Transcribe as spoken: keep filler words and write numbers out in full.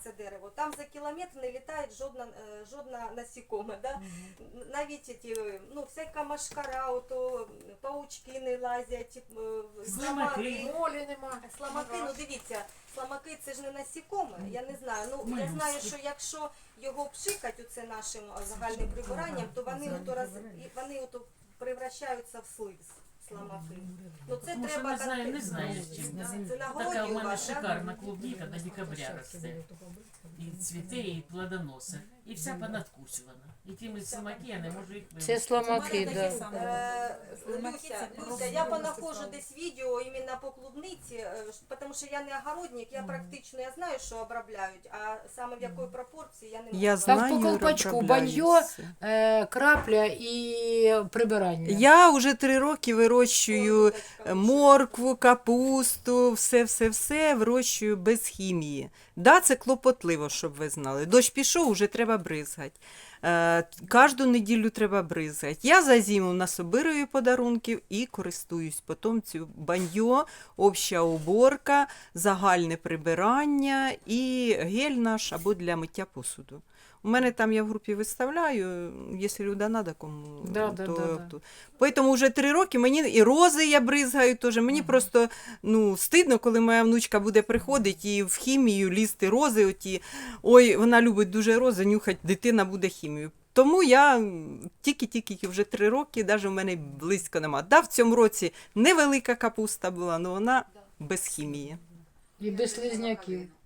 це дерево, там за кілометр не літає жодна, е, жодна насікоме. Да? Навіть ті, ну, всяка машкара, ото, паучки не лазять, е, Слимаки. Молі нема. Сламаки, ну дивіться, сламаки це ж не насікоме, я не знаю. Ну, я Молюски. знаю, що якщо його пшикать оце нашим загальним прибиранням, то вони ото роз, і вони ото превращаються в слиз, сламаки. Ну це Тому що треба не знаю, не конкретно. знаю, чим. Це на Така городі в у мене вас, да? шикарна клубніка до декабря росте. І цвіте, і плодоноси. І вся понадкусювана. І тими слимаки я не можу їх Це вивезти. сломаки, да. Е, Люся, Люся, я понаходжу десь відео іменно по клубниці, е, ш- тому що я не огородник, я практично я знаю, що обробляють, а саме в якої пропорції я не можу. Я сказати. Там знаю, по колпачку обробляю баньо, все. е, крапля і прибирання. Я вже три роки вирощую Ой, моркву, капусту, все-все-все вирощую без хімії. Да, це клопотливо, щоб ви знали. Дощ пішов, вже треба бризгати. Е, кожну неділю треба бризгати. Я за зиму насобирую подарунків і користуюсь. Потім цю баньо, обща уборка, загальне прибирання і гель наш або для миття посуду. У мене там я в групі виставляю, якщо люди треба кому. Да, да, то, да, да. то. Поэтому вже три роки мені і рози я бризгаю теж. Мені просто ну, стидно, коли моя внучка буде приходити і в хімію лізти рози. Оті. Ой, вона любить дуже рози, нюхать, дитина буде хімію. Тому я тільки-тільки вже три роки, навіть в мене близько нема. Да, в цьому році невелика капуста була, але вона без хімії. І без слизняків.